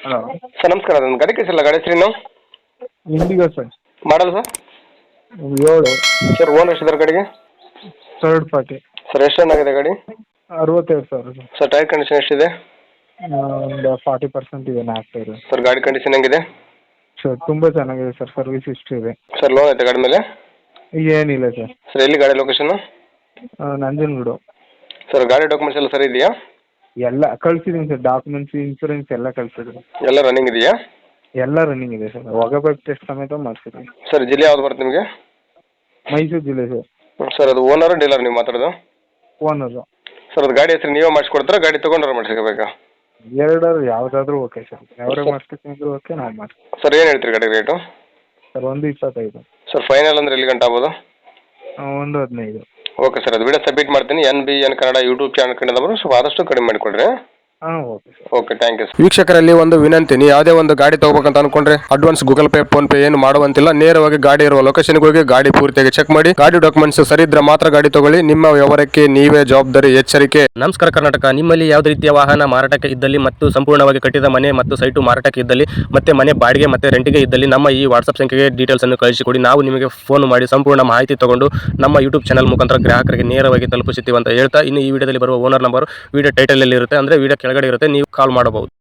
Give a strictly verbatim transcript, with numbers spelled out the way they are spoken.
Hello. Sir ನಮಸ್ಕಾರ, ಅದೊಂದು ಗಾಡಿ ಕಳಿಸಿಲ್ಲ, ಗಾಡಿ ಹೆಸರೇನು? Indigo sir. Model sir? ಏಳು. ಸರ್ ಓನರ್ ಎಷ್ಟಿದ್ದಾರೆ ಗಾಡಿಗೆ? Third party. ಸರ್ ಎಷ್ಟು ರನ್ ಆಗಿದೆ ಗಾಡಿ? ಅರವತ್ತೈದು ಸಾವಿರ ಸರ್. ಸರ್ ಟೈರ್ ಕಂಡೀಷನ್ ಎಷ್ಟಿದೆ? ಒಂದು ಫಾರ್ಟಿ ಪರ್ಸೆಂಟ್ ಇದೆ ನಾಲ್ಕು ಟೈರು. ಸರ್ ಗಾಡಿ ಕಂಡೀಷನ್ ಹೆಂಗಿದೆ? ಸರ್ ತುಂಬ ಚೆನ್ನಾಗಿದೆ ಸರ್, ಸರ್ವಿಸ್ ಹಿಸ್ಟ್ರಿ ಇದೆ. ಸರ್ ಲೋನ್ ಐತೆ ಗಾಡಿ ಮೇಲೆ? ಏನಿಲ್ಲ ಸರ್. ಸರ್ ಎಲ್ಲಿ ಗಾಡಿ ಲೊಕೇಶನ್? ನಂಜನಗೂಡು. ಸರ್ ಗಾಡಿ ಡಾಕ್ಯುಮೆಂಟ್ಸ್ ಎಲ್ಲ ಸರಿ ಇದೆಯಾ? ಎಲ್ಲ ಕಳ್ಸಿದ್ದೀನಿ ಸರ್, ಡಾಕ್ಯುಮೆಂಟ್ಸ್, ಇನ್ಸೂರೆನ್ಸ್ ಎಲ್ಲ ಕಳ್ಸಿದ್ದೀನಿ. ಎಲ್ಲ ರನ್ನಿಂಗ್ ಇದೆಯಾ? ಎಲ್ಲ ರನ್ನಿಂಗ್ ಇದೆ ಸರ್, ಒಗಬೇಕು ಟೆಸ್ಟ್ ಸಮೇತ ಮಾಡಿಸಿದ್ದೀನಿ. ಸರ್ ಜಿಲ್ಲೆ ಯಾವ್ದು ಬರುತ್ತೆ ನಿಮಗೆ? ಮೈಸೂರು ಜಿಲ್ಲೆ ಸರ್. ಸರ್ ಅದು ಓನರ್ ಡೀಲರ್ ನೀವು ಮಾತಾಡೋದು? ಓನರು. ಸರ್ ಅದು ಗಾಡಿ ಹೆಸರು ನೀವೇ ಮಾಡಿಸ್ಕೊಡ್ತಾರಾ, ಗಾಡಿ ತೊಗೊಂಡ್ರೆ ಮಾಡಿಸ್ಕೋಬೇಕಾ? ಎರಡರು ಯಾವುದಾದ್ರೂ ಓಕೆ ಸರ್, ಅವರೇ ಮಾಡಿಸ್ಬೇಕಂದ್ರೆ ಓಕೆ, ನಾವು ಮಾಡ್ತೀವಿ. ಸರ್ ಏನು ಹೇಳ್ತೀರಿ ಗಾಡಿ ರೇಟು? ಸರ್ ಒಂದು ಇಪ್ಪತ್ತೈದು. ಸರ್ ಫೈನಲ್ ಅಂದರೆ ಎಲ್ಲಿ ಗಂಟೆ ಆಗ್ಬೋದು? ಒಂದು ಹದಿನೈದು. ಓಕೆ ಸರ್, ಅದು ವಿಡಿಯೋ ಸಬ್ಮಿಟ್ ಮಾಡ್ತೀನಿ. N B N Kannada YouTube channel ಕಡೆಯಿಂದ ಬರೋ ಸ್ವಲ್ಪ ಆದಷ್ಟು ಕಡಿಮೆ ಮಾಡಿಕೊಡ್ರಿ. ಹಾಂ okay sir. Okay, thank you. ವೀಕ್ಷಕರಲ್ಲಿ ಒಂದು ವಿನಂತಿ, ನೀವು ಯಾವುದೇ ಒಂದು ಗಾಡಿ ತಗೋಬೇಕಂತ ಅನ್ಕೊಂಡ್ರೆ advance Google Pay PhonePe ಏನು ಮಾಡುವಂತಿಲ್ಲ. ನೇರವಾಗಿ ಗಾಡಿ ಇರುವ ಲೊಕೇಶನ್ಗೆ ಹೋಗಿ ಗಾಡಿ ಪೂರ್ತಿಯಾಗಿ ಚೆಕ್ ಮಾಡಿ, ಗಾಡಿ ಡಾಕ್ಯುಮೆಂಟ್ಸ್ ಸರಿ ಇದ್ರೆ ಮಾತ್ರ ಗಾಡಿ ತಗೊಳ್ಳಿ. ನಿಮ್ಮ ವ್ಯವಹಾರಕ್ಕೆ ನೀವೇ ಜವಾಬ್ದಾರಿ, ಎಚ್ಚರಿಕೆ. ನಮಸ್ಕಾರ ಕರ್ನಾಟಕ. ನಿಮ್ಮಲ್ಲಿ ಯಾವುದೇ ರೀತಿಯ ವಾಹನ ಮಾರಾಟಕ್ಕೆ ಇದ್ದಲ್ಲಿ ಮತ್ತು ಸಂಪೂರ್ಣವಾಗಿ ಕಟ್ಟಿದ ಮನೆ ಮತ್ತು ಸೈಟು ಮಾರಾಟಕ್ಕೆ ಇದ್ದಲ್ಲಿ ಮತ್ತೆ ಮನೆ ಬಾಡಿಗೆ ಮತ್ತೆ ರೆಂಟಿಗೆ ಇದ್ದಲ್ಲಿ ನಮ್ಮ ಈ ವಾಟ್ಸ್ಆಪ್ ಸಂಖ್ಯೆಗೆ ಡೀಟೇಲ್ಸ್ ಅನ್ನು ಕಳಿಸಿಕೊಡಿ. ನಾವು ನಿಮಗೆ ಫೋನ್ ಮಾಡಿ ಸಂಪೂರ್ಣ ಮಾಹಿತಿ ತಗೊಂಡು ನಮ್ಮ ಯೂಟ್ಯೂಬ್ ಚಾನಲ್ ಮುಖಾಂತರ ಗ್ರಾಹಕರಿಗೆ ನೇರವಾಗಿ ತಲುಪಿಸುತ್ತೀವಿ ಅಂತ ಹೇಳ್ತಾ, ಇನ್ನು ಈ ವಿಡಿಯೋದಲ್ಲಿ ಬರುವ ಓನರ್ ನಂಬರ್ ವಿಡಿಯೋ ಟೈಟಲ್ ಅಲ್ಲಿ ಇರುತ್ತೆ, ಅಂದ್ರೆ ವಿಡಿಯೋ ಕೆಳಗಡೆ ಇರುತ್ತೆ, ನೀವು ಕಾಲ್ ಮಾಡಬಹುದು.